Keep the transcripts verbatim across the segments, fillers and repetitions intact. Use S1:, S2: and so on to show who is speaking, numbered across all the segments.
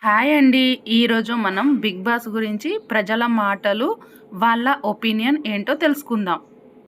S1: Hi అండి. ఈరోజు మనం బిగ్ బాస్ గురించి ప్రజల మాటలు, వాళ్ళ ఒపీనియన్ ఏంటో తెలుసుకుందాం.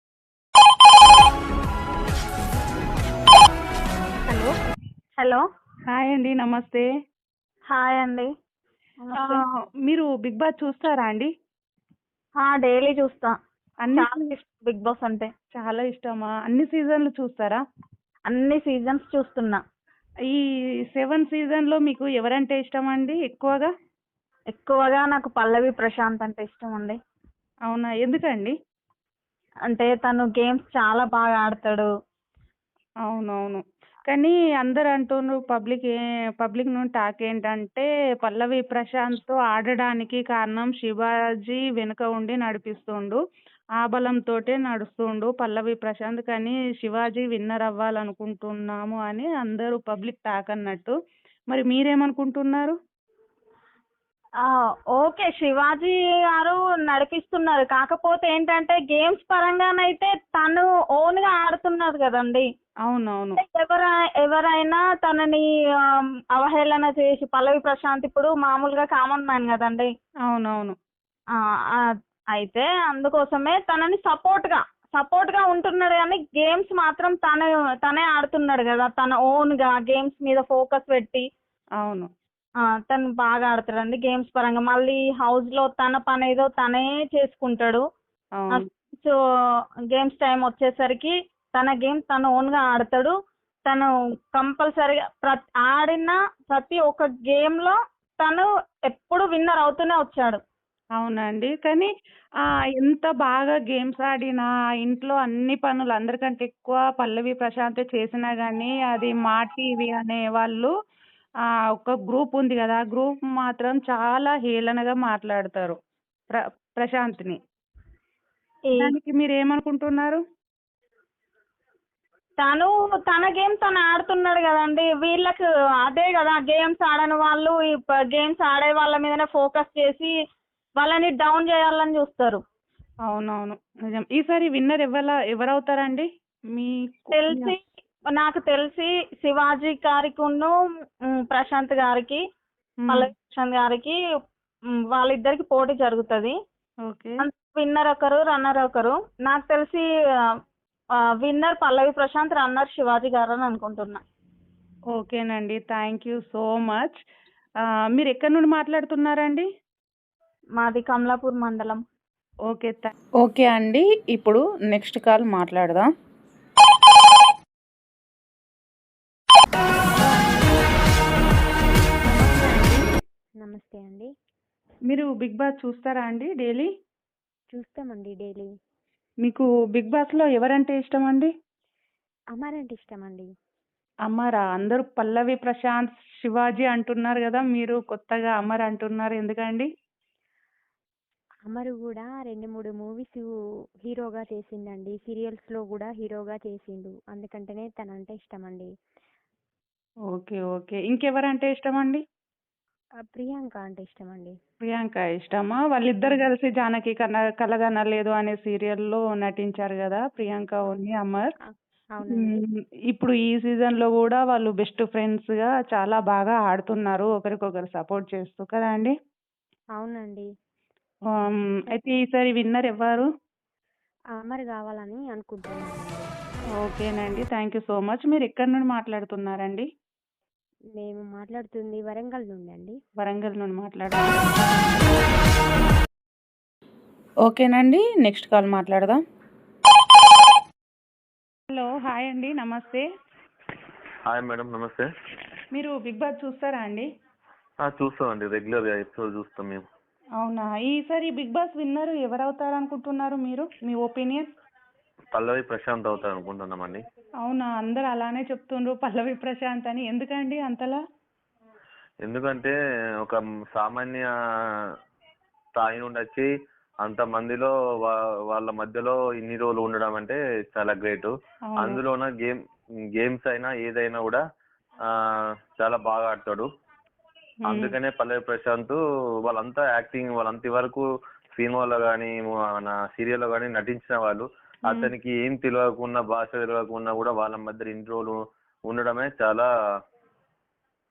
S1: హలో.
S2: హలో.
S1: హాయ్ అండి. నమస్తే.
S2: హాయ్ అండి.
S1: ఆ,
S2: నమస్తే.
S1: మీరు బిగ్ బాస్ చూస్తారా అండి?
S2: ఆ, డైలీ చూస్తా.
S1: అన్ని
S2: చాలా ఇష్టం బిగ్ బాస్ అంటే.
S1: చాలా ఇష్టమా? అన్ని సీజన్లు చూస్తారా?
S2: అన్ని సీజన్స్ చూస్తున్నా.
S1: ఈ సెవెన్ సీజన్లో మీకు ఎవరంటే ఇష్టం అండి ఎక్కువగా?
S2: ఎక్కువగా నాకు పల్లవి ప్రశాంత్ అంటే ఇష్టం అండి.
S1: అవునా, ఎందుకండి?
S2: అంటే తను గేమ్స్ చాలా బాగా ఆడతాడు.
S1: అవునవును. కానీ అందరు అంటున్నారు, పబ్లిక్ ఏ పబ్లిక్ నుండి టాక్ ఏంటంటే పల్లవి ప్రశాంత్తో ఆడడానికి కారణం శివాజీ వెనుక ఉండి నడిపిస్తుండు. ఆ బలంతోటే నడుస్తుండు పల్లవి ప్రశాంత్. కానీ శివాజీ విన్నర్ అవ్వాలనుకుంటున్నాము అని అందరూ పబ్లిక్ టాక్ అన్నట్టు. మరి మీరేమనుకుంటున్నారు?
S2: ఆ, ఓకే, శివాజీ గారు నడిపిస్తున్నారు. కాకపోతే ఏంటంటే గేమ్స్ పరంగానైతే తను ఓన్ గా ఆడుతున్నారు కదండి.
S1: అవునవును.
S2: ఎవర ఎవరైనా తనని ఆ, అవహేళన చేసి పల్లవి ప్రశాంత్ ఇప్పుడు మామూలుగా కామన్ మ్యాన్ కదండి.
S1: అవునవును.
S2: ఆ, ఆ, అయితే అందుకోసమే తనని సపోర్ట్ గా సపోర్ట్ గా ఉంటున్నాడు. కానీ గేమ్స్ మాత్రం తన తనే ఆడుతున్నాడు కదా. తన ఓన్ గా గేమ్స్ మీద ఫోకస్ పెట్టి
S1: అవును.
S2: ఆ, తను బాగా ఆడుతాడండి గేమ్స్ పరంగా. మళ్ళీ హౌస్ లో తన పని ఏదో తనే చేసుకుంటాడు.
S1: అవును.
S2: సో గేమ్స్ టైం వచ్చేసరికి తన గేమ్ తను ఓన్ గా ఆడతాడు. తను కంపల్సరీగా ప్రతి ఆడిన ప్రతి ఒక్క గేమ్ లో తను ఎప్పుడు విన్నర్ అవుతూనే వచ్చాడు.
S1: అవునండి. కానీ ఆహ్, ఎంత బాగా గేమ్స్ ఆడినా, ఇంట్లో అన్ని పనులు అందరికంటే ఎక్కువ పల్లవి ప్రశాంతే చేసినా గానీ, అది మా టీవీ అనే వాళ్ళు ఆహ్, ఒక గ్రూప్ ఉంది గదా! ఆ గ్రూప్ మాత్రం చాలా హేళనగా మాట్లాడతారు ప్ర ప్రశాంత్‌ని.
S2: ఈ
S1: దానికి మీరేమనుకుంటున్నారు?
S2: తను తన గేమ్ తను ఆడుతున్నాడు కదండి. వీళ్ళకి అదే కదా, గేమ్స్ ఆడని వాళ్ళు ఈ గేమ్స్ ఆడే వాళ్ళ మీదనే ఫోకస్ చేసి వాళ్ళని డౌన్ చేయాలని చూస్తారు.
S1: అవునవును. నిజం. ఈసారి విన్నర్ ఎవ్వల ఎవరవుతారండి? మీకు మీ
S2: తెలిసి నాకు తెలిసి శివాజీ గారికిను ఉమ్, ప్రశాంత్ గారికి,
S1: హ్మ్.
S2: పల్లవి ప్రశాంత్ గారికి ఉమ్, వాళ్ళిద్దరికి పోటీ జరుగుతుంది.
S1: ఓకే.
S2: విన్నర్ ఒకరు, రన్నర్ ఒకరు. నాకు తెలిసి విన్నర్ పల్లవి ప్రశాంత్, రన్నర్ శివాజీ గారు అని అనుకుంటున్నా.
S1: ఓకేనండి. Thank you so much. ఆహ్, మీరెక్కడి నుండి మాట్లాడుతున్నారండి?
S2: మాది కమలాపూర్ మండలం.
S1: ఓకే. థా ఓకే అండి. ఇప్పుడు నెక్స్ట్ కాల్ మాట్లాడదాం.
S3: నమస్తే అండి.
S1: మీరు బిగ్ బాస్ చూస్తారా అండి డైలీ?
S3: చూస్తామండి డైలీ.
S1: మీకు బిగ్ బాస్‌లో ఎవరంటే ఇష్టమండి?
S3: అమర్ అంటే ఇష్టమండి.
S1: అమరా? అందరూ పల్లవి ప్రశాంత్, శివాజీ అంటున్నారు గదా! మీరు కొత్తగా అమర్ అంటున్నారు ఎందుకండి?
S3: అమర్ గూడా రెండు, మూడు మూవీస్ హీరోగా చేసిండండి. సీరియల్స్‌లో గూడా హీరోగా చేసిండు. అందుకంటేనే తనంటే ఇష్టమండి.
S1: ఓకే. ఓకే. ఇంకెవరంటే ఇష్టమండి?
S3: ఆహ్, ప్రియాంక అంటే ఇష్టమండి.
S1: ప్రియాంక ఇష్టమా? వాళ్ళిద్దరు
S3: హ్మ్.
S1: కలిసి 'జానకి కన కలగనలేదు' అనే సీరియల్‌లో నటించారు గదా! ప్రియాంక
S3: ఆ!
S1: ఉన్ను అమర్.
S3: ఆ! అవునండి.
S1: హ్మ్. ఇప్పుడు ఈ సీజన్‌లో గూడా వాళ్ళు బెస్ట్ ఫ్రెండ్స్‌గా చాలా బాగా ఆడుతున్నారు. ఒకరికొకరు సపోర్ట్ చేస్తూ కదా అండి?
S3: అవునండి.
S1: ఆహ్, హ్మ్. అయితే ఈసారి విన్నర్ ఎవ్వరు?
S3: అమర్ గావాలని అనుకుంటున్నానండి.
S1: ఓకేనండి. Thank you so much. మీరెక్కడి నుండి మాట్లాడుతున్నారండి?
S3: మేము మాట్లాడుతుంది వరంగల్ నుండి అండి.
S1: వరంగల్ నుండి మాట్లాడుతున్నారా? ఓకేనండి. నెక్స్ట్ కాల్ మాట్లాడదాం. హలో. హాయ్ అండి. నమస్తే.
S4: హాయ్ మేడం, నమస్తే.
S1: మీరు బిగ్ బాస్ చూస్తారా అండి?
S4: ఆ, చూస్తామండి, రెగ్యులర్గా ఎపిసోడ్ చూస్తాం మేము.
S1: అవునా? ఈసారి బిగ్ బాస్ విన్నర్ ఎవరవుతారనుకుంటున్నారు మీరు? మీ ఒపీనియన్?
S4: పల్లవి ప్రశాంత్ అవుతారు అనుకుంటున్నామండి.
S1: అవునా? అందరూ అలానే చెప్తుండ్రు పల్లవి ప్రశాంత్ అని. ఎందుకండి అంతలా?
S4: ఎందుకంటే ఒక సామాన్య స్థాయి నుండి వచ్చి అంతమందిలో వా వాళ్ళ మధ్యలో ఇన్ని రోజులు ఉండడం అంటే చాలా గ్రేట్.
S1: అవును.
S4: అందులోన గేమ్ గేమ్స్ అయినా ఏదైనా కూడా ఆ, చాలా బాగా ఆడతాడు.
S1: హ్మ్.
S4: అందుకనే పల్లవి ప్రశాంత్ వాళ్ళంతా యాక్టింగ్ వాళ్ళంత వరకు సినిమాలో కానీ మన సీరియల్లో కానీ నటించిన వాళ్ళు
S1: హ్మ్.
S4: అతనికి ఏం తెలియకుండా భాష తెలియకుండా కూడా వాళ్ళ మధ్య ఇన్ని రోజులు ఉండడమే చాలా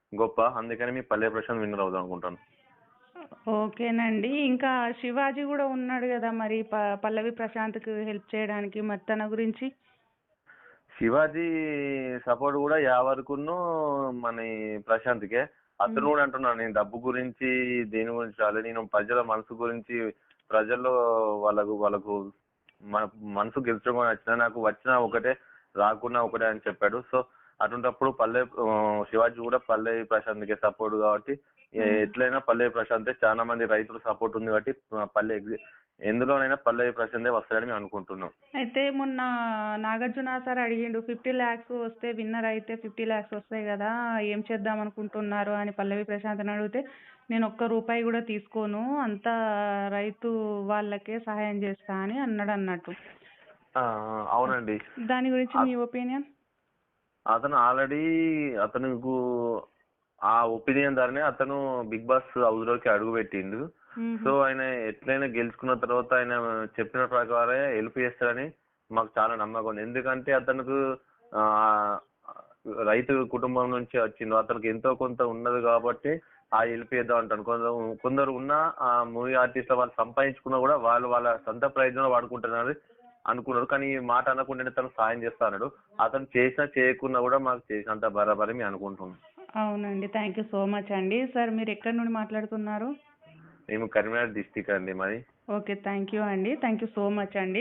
S4: గొప్ప. అందుకని మీ పల్లె ప్రశాంత్ విన్నర్ అవుదాం అనుకుంటాను.
S1: ఓకేనండి. ఇంకా శివాజీ కూడా ఉన్నాడు కదా మరి ప పల్లవి ప్రశాంత్కి హెల్ప్ చేయడానికి, మరి తన గురించి?
S4: శివాజీ సపోర్ట్ కూడా యావరకును మన ఈ ప్రశాంత్కే. అతను కూడా అంటున్నాడు, నేను డబ్బు గురించి దేని గురించి రాలేదు, నేను ప్రజల మనసు గురించి, ప్రజల్లో వాళ్ళకు వాళ్ళకు మన మనసు గెలుచుకొని వచ్చినా నాకు వచ్చినా ఒకటే రాకున్నా ఒకటే అని చెప్పాడు. సో అటువంటిప్పుడు పల్లె ఆ, శివాజీ కూడా పల్లె ప్రశాంత్కే సపోర్ట్ కాబట్టి ఎ- ఎట్లయినా పల్లె ప్రశాంతే. చాలా మంది రైతులు సపోర్ట్ ఉంది కాబట్టి ఆ, పల్లె ఎగ్జి- ఎందులోనైనా పల్లె ప్రశాంతే వస్తాడని మేము అనుకుంటున్నాం.
S1: అయితే మొన్న నాగార్జున సార్ అడిగిండు, ఫిఫ్టీ ల్యాక్స్ వస్తే విన్నర్ అయితే ఫిఫ్టీ ల్యాక్స్ వస్తాయి కదా, ఏం చేద్దాం అనుకుంటున్నారు అని పల్లవి ప్రశాంత్ని అడిగితే, నేను ఒక్క రూపాయి కూడా తీసుకోను, అంతా రైతు వాళ్ళకే సహాయం చేస్తా అని అన్నాడు అన్నట్టు.
S4: ఆ, అవునండి.
S1: దాని గురించి మీ ఒపీనియన్?
S4: అతను ఆల్రెడీ అతనుకు ఆ ఒపీనియన్ ద్వారానే అతను బిగ్ బాస్ హౌస్ లోకి అడుగు పెట్టిండు. సో ఆయన ఎట్లయినా గెలుచుకున్న తర్వాత ఆయన చెప్పిన ప్రకారం హెల్ప్ చేస్తాడని మాకు చాలా నమ్మకం ఉంది. ఎందుకంటే అతనికి ఆ రైతు కుటుంబం నుంచి వచ్చిండు, అతనికి ఎంతో కొంత ఉన్నది కాబట్టి ఆ హెల్ప్ చేద్దాం అంటాను. కొందరు కొందరు ఉన్న ఆ మూవీ ఆర్టిస్ట్ వాళ్ళు సంపాదించుకున్నా కూడా వాళ్ళు వాళ్ళ సొంత ప్రయోజనం వాడుకుంటున్నారు అనుకున్నారు. కానీ ఈ మాట అనకుండా తను సాయం చేస్తా అన్నాడు. అతను చేసినా చేయకున్నా కూడా మాకు చేసినంత బరాబరి మేము అనుకుంటున్నాం.
S1: అవునండి, థ్యాంక్ యూ సో మచ్ అండి. సార్ మీరు ఎక్కడి నుండి మాట్లాడుతున్నారు?
S4: మేము కరీంనగర్ డిస్టిక్ అండి మాది.
S1: ఓకే, థ్యాంక్ యూ అండి, థ్యాంక్ యూ సో మచ్ అండి.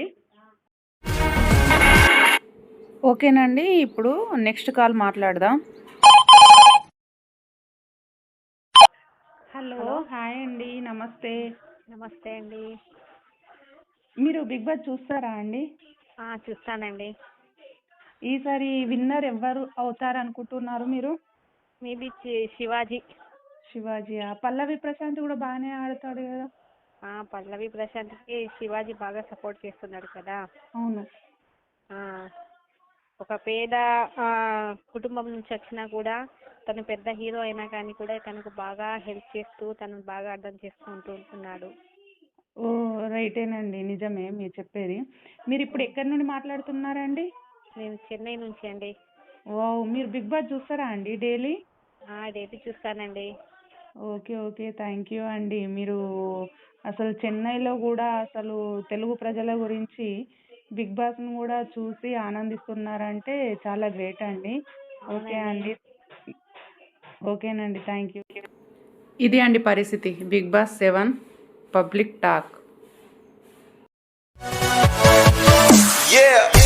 S1: ఓకేనండి, ఇప్పుడు నెక్స్ట్ కాల్ మాట్లాడదాం. హలో, హాయ్ అండి, నమస్తే.
S3: నమస్తే అండి.
S1: మీరు బిగ్ బాస్ చూస్తారా అండి?
S3: ఆ, చూస్తానండి.
S1: ఈసారి విన్నర్ ఎవరు అవుతారు అనుకుంటున్నారు మీరు?
S3: మేబీ శివాజీ.
S1: శివాజీయా? పల్లవి ప్రశాంత్ కూడా బాగానే ఆడతాడు కదా.
S3: ఆ, పల్లవి ప్రశాంత్కి శివాజీ బాగా సపోర్ట్ చేస్తున్నాడు కదా.
S1: అవును.
S3: ఆ, ఒక పేద ఆ, కుటుంబం నుంచి వచ్చినా కూడా తను పెద్ద హీరో అయినా కానీ కూడా తనకు బాగా హెల్ప్ చేస్తూ తను బాగా అర్థం చేసుకుంటూ ఉంటున్నాడు.
S1: ఓ రైటేనండి, నిజమే మీరు చెప్పేది. మీరు ఇప్పుడు ఎక్కడి నుండి మాట్లాడుతున్నారండి?
S3: నేను చెన్నై నుంచి అండి.
S1: ఓ, మీరు బిగ్ బాస్ చూస్తారా అండి డైలీ?
S3: డైలీ చూస్తానండి.
S1: ఓకే ఓకే, థ్యాంక్ యూ అండి. మీరు అసలు చెన్నైలో కూడా అసలు తెలుగు ప్రజల గురించి బిగ్ బాస్ను కూడా చూసి ఆనందిస్తున్నారంటే చాలా గ్రేట్ అండి. ఓకే అండి, ఓకేనండి, థ్యాంక్ యూ. ఇది అండి పరిస్థితి Big Boss seven public talk.
S5: Yeah.